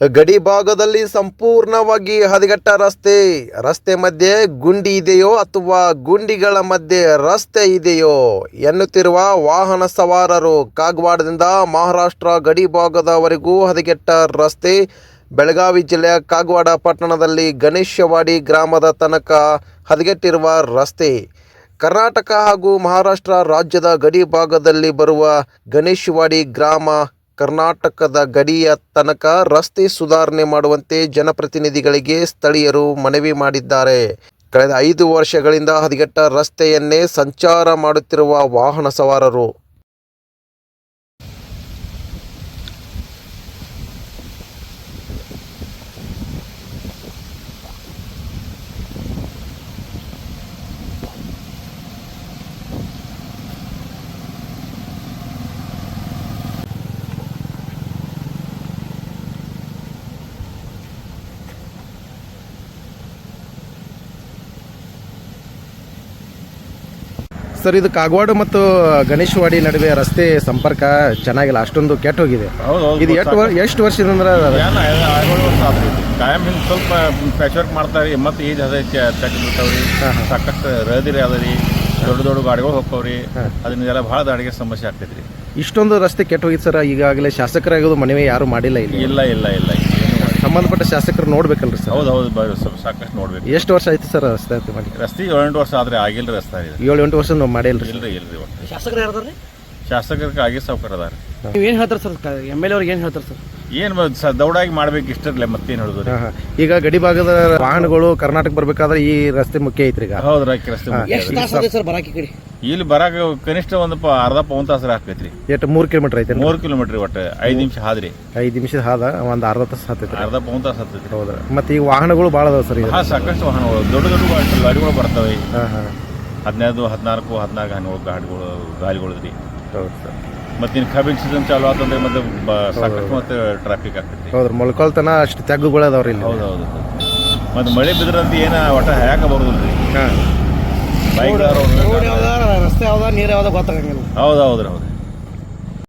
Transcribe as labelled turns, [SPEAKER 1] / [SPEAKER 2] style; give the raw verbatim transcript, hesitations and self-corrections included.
[SPEAKER 1] ಗಡಿ ಭಾಗದಲ್ಲಿ ಸಂಪೂರ್ಣವಾಗಿ ಹದಗೆಟ್ಟ ರಸ್ತೆ ರಸ್ತೆ ಮಧ್ಯೆ ಗುಂಡಿ ಇದೆಯೋ ಅಥವಾ ಗುಂಡಿಗಳ ಮಧ್ಯೆ ರಸ್ತೆ ಇದೆಯೋ ಎನ್ನುತ್ತಿರುವ ವಾಹನ ಸವಾರರು. ಕಾಗವಾಡದಿಂದ ಮಹಾರಾಷ್ಟ್ರ ಗಡಿ ಭಾಗದವರೆಗೂ ಹದಗೆಟ್ಟ ರಸ್ತೆ. ಬೆಳಗಾವಿ ಜಿಲ್ಲೆಯ ಕಾಗವಾಡ ಪಟ್ಟಣದಲ್ಲಿ ಗಣೇಶವಾಡಿ ಗ್ರಾಮದ ತನಕ ಹದಗೆಟ್ಟಿರುವ ರಸ್ತೆ. ಕರ್ನಾಟಕ ಹಾಗೂ ಮಹಾರಾಷ್ಟ್ರ ರಾಜ್ಯದ ಗಡಿ ಭಾಗದಲ್ಲಿ ಬರುವ ಗಣೇಶವಾಡಿ ಗ್ರಾಮ ಕರ್ನಾಟಕದ ಗಡಿಯ ತನಕ ರಸ್ತೆ ಸುಧಾರಣೆ ಮಾಡುವಂತೆ ಜನಪ್ರತಿನಿಧಿಗಳಿಗೆ ಸ್ಥಳೀಯರು ಮನವಿ ಮಾಡಿದ್ದಾರೆ. ಕಳೆದ ಐದು ವರ್ಷಗಳಿಂದ ಹದಗೆಟ್ಟ ರಸ್ತೆಯನ್ನೇ ಸಂಚಾರ ಮಾಡುತ್ತಿರುವ ವಾಹನ ಸವಾರರು ಸರ್, ಇದು ಕಾಗವಾಡ ಮತ್ತು ಗಣೇಶವಾಡಿ ನಡುವೆ ರಸ್ತೆ ಸಂಪರ್ಕ ಚೆನ್ನಾಗಿಲ್ಲ, ಅಷ್ಟೊಂದು ಕೆಟ್ಟ ಹೋಗಿದೆ. ಇದು ಎಷ್ಟು ವರ್ಷ ಎಷ್ಟು ವರ್ಷದಿಂದ
[SPEAKER 2] ಕಾಯಂ ಹಿಂಗೆ ಸ್ವಲ್ಪ ಪ್ಯಾಚ್ ವರ್ಕ್ ಮಾಡ್ತಾರೆ. ಮತ್ತು ಈಜ್ ಅದೈತಿ ತೆಗ್ ಬಿಡ್ತಾವ್ರಿ, ಸಾಕಷ್ಟು ರಹದಿರಿ ಅದರಿ, ದೊಡ್ಡ ದೊಡ್ಡ ಗಾಡಿಗಳು ಹೋಗ್ತಾವ್ರಿ. ಅದನ್ನೆಲ್ಲ ಭಾಳ ದಾಡಿಗೆ ಸಮಸ್ಯೆ ಆಗ್ತೈತ್ರಿ.
[SPEAKER 1] ಇಷ್ಟೊಂದು ರಸ್ತೆ ಕೆಟ್ಟ ಹೋಗಿತ್ತು ಸರ್. ಈಗಾಗಲೇ ಶಾಸಕರಾಗೋದು ಮನವಿ ಯಾರು ಮಾಡಿಲ್ಲ ಇಲ್ಲಿ?
[SPEAKER 2] ಇಲ್ಲ ಇಲ್ಲ ಇಲ್ಲ
[SPEAKER 1] ಸಂಬಂಧಪಟ್ಟ ಶಾಸಕರು ನೋಡ್ಬೇಕಲ್ರಿ ಸರ್?
[SPEAKER 2] ಹೌದು ಹೌದು ಬರೀ ಸ್ವಲ್ಪ ಸಾಕಷ್ಟು ನೋಡ್ಬೇಕು.
[SPEAKER 1] ಎಷ್ಟು ವರ್ಷ ಆಯ್ತು ಸರ್ ರಸ್ತೆ ಮಾಡಿ?
[SPEAKER 2] ರಸ್ತೆ ಏಳು ಎಂಟು ವರ್ಷ ಆದ್ರೆ ಆಗಿಲ್ಲ ರಸ್ತೆ ಇದೆ.
[SPEAKER 1] ಏಳು ಎಂಟು ವರ್ಷ ನಾವು ಮಾಡಿಲ್ಲ
[SPEAKER 2] ಇಲ್ರಿ ಇಲ್ರಿ
[SPEAKER 3] ಶಾಸಕರು ಯಾರ್ದಾರ್ರಿ?
[SPEAKER 2] ಶಾಸಕರಿಗೆ ಆಗಿ ಸಾವುಕಾರ ಅದಾರ.
[SPEAKER 3] ನೀವು ಏನು ಹೇಳ್ತಾರೆ ಸರ್? ಎಮ್ ಎಲ್ ಎ ಅವ್ರಿಗೆ ಏನು ಹೇಳ್ತಾರೆ ಸರ್?
[SPEAKER 2] ಏನು ದೌಡಾಗಿ ಮಾಡ್ಬೇಕು ಇಷ್ಟರ್ಲೆ ಮತ್ತೇನು ಹೇಳೋದು.
[SPEAKER 1] ಈಗ ಗಡಿ ಭಾಗದ ವಾಹನಗಳು ಕರ್ನಾಟಕ ಬರ್ಬೇಕಾದ್ರೆ ಈ ರಸ್ತೆ ಮುಖ್ಯ ಐತ್ರಿ. ಈಗ
[SPEAKER 2] ಹೌದು ರಾಕಿ ರಸ್ತೆ
[SPEAKER 3] ಎಷ್ಟು ತಾಸು ಆಗಿದೆ ಸರ್ ಬರಾಕಿ ಕಡೆ?
[SPEAKER 2] ಇಲ್ಲಿ ಬರಾಕ ಕನಿಷ್ಠ ಒಂದು ಪ ಅರ್ಧ ಪೌನ್ ತಾಸರ ಹಾಕೈತ್ರಿ.
[SPEAKER 1] ಎಷ್ಟು ಮೂರು ಕಿಲೋಮೀಟರ್ ಐತೆ?
[SPEAKER 2] ಮೂರು ಕಿಲೋಮೀಟರ್ ಒಟ್ಟು ಐದು ನಿಮಿಷ ಹಾದ್ರಿ.
[SPEAKER 1] ಐದು ನಿಮಿಷದ ಹಾದ ಒಂದು ಅರ್ಧ ತಾಸು ಹತ್ತೈತ್ರಿ.
[SPEAKER 2] ಅರ್ಧ ಪೌನ್ ತಾಸು ಹತ್ತೈತ್ರಿ.
[SPEAKER 1] ಹೌದ್ರಿ. ಮತ್ತೆ ಈಗ ವಾಹನಗಳು ಭಾಳ ಅದಾವ ಸರ್?
[SPEAKER 2] ಹಾ, ಸಾಕಷ್ಟು ವಾಹನಗಳು, ದೊಡ್ಡ ದೊಡ್ಡ ಗಾಡಿಗಳು ಬರ್ತವೆ.
[SPEAKER 1] ಹಾಂ ಹಾಂ
[SPEAKER 2] ಹದಿನೈದು ಹದಿನಾಲ್ಕು ಹದಿನಾಲ್ಕು ಹನ್ನೆರಡು ಗಾಡಿಗಳು ಗಾಲಿಗಳು ರೀ.
[SPEAKER 1] ಹೌದು ಸರ್.
[SPEAKER 2] ಮತ್ತೆ ಇನ್ನು ಕಬ್ಬಿನ ಸೀಸನ್ ಚಾಲು ಆತಂದ್ರೆ ಮತ್ತೆ ಸಾಕಷ್ಟು ಮತ್ತೆ ಟ್ರಾಫಿಕ್ ಆಗ್ತೈತಿ.
[SPEAKER 1] ಹೌದ್ರಿ. ಮೊಳಕಾಲ್ತನ ಅಷ್ಟು ತೆಗ್ಗುಗಳು ಅದಾವ್ರಿ ಇಲ್ಲಿ.
[SPEAKER 2] ಹೌದು ಹೌದು. ಮತ್ತೆ ಮಳೆ ಬಿದ್ರಂತ ಏನ ಒಟ್ಟ ಹ್ಯಾಕ ಬರೋದಿಲ್ಲ ರೀ.
[SPEAKER 3] ಬೈಕ್ ರಸ್ತೆ ಯಾವ್ದ ನೀರು ಯಾವ್ದ ಗೊತ್ತಾಗಂಗಿಲ್ಲ.
[SPEAKER 2] ಹೌದು ಹೌದ್ರಿ ಹೌದು.